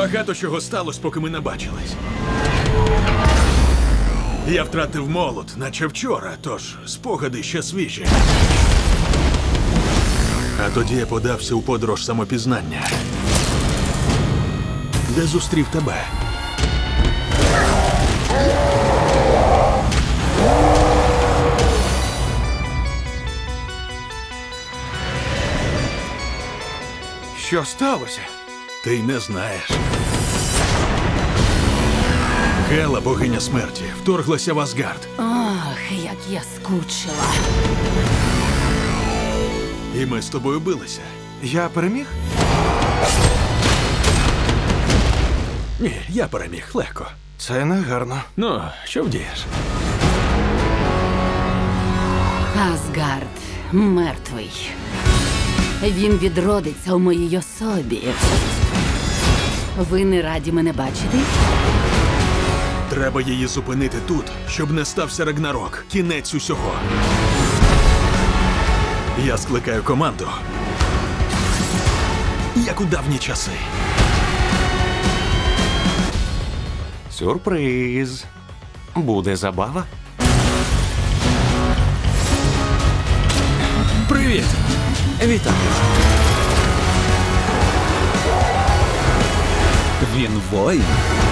Багато чого сталося, поки ми не бачились. Я втратив молот, наче вчора, тож спогади ще свіжі. А тоді я подався у подорож самопізнання, де зустрів тебе. Що сталося? Ти й не знаєш. Гела, богиня смерті, вторглася в Асгард. Ох, як я скучила. І ми з тобою билися. Я переміг? Ні, я переміг легко. Це не гарно. Ну, що вдієш? Асгард мертвий. Він відродиться у моїй особі. Ви не раді мене бачити? Треба її зупинити тут, щоб не стався Рагнарок. Кінець усього. Я скликаю команду. Як у давні часи. Сюрприз. Буде забава? Привіт! Вітаю. Він воїн.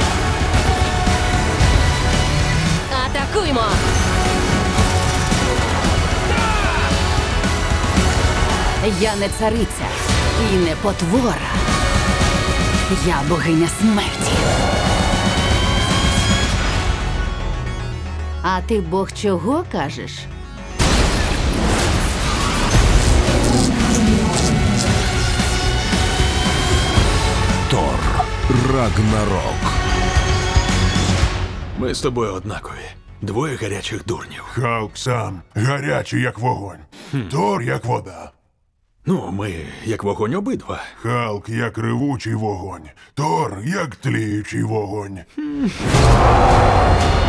Атакуймо! Я не цариця і не потвора. Я богиня смерті. А ти бог чого кажеш? Тор Рагнарок. Ми з тобою однакові. Двоє гарячих дурнів. Халк сам гарячий, як вогонь. Тор, як вода. Ну, ми як вогонь обидва. Халк, як ревучий вогонь. Тор, як тліючий вогонь.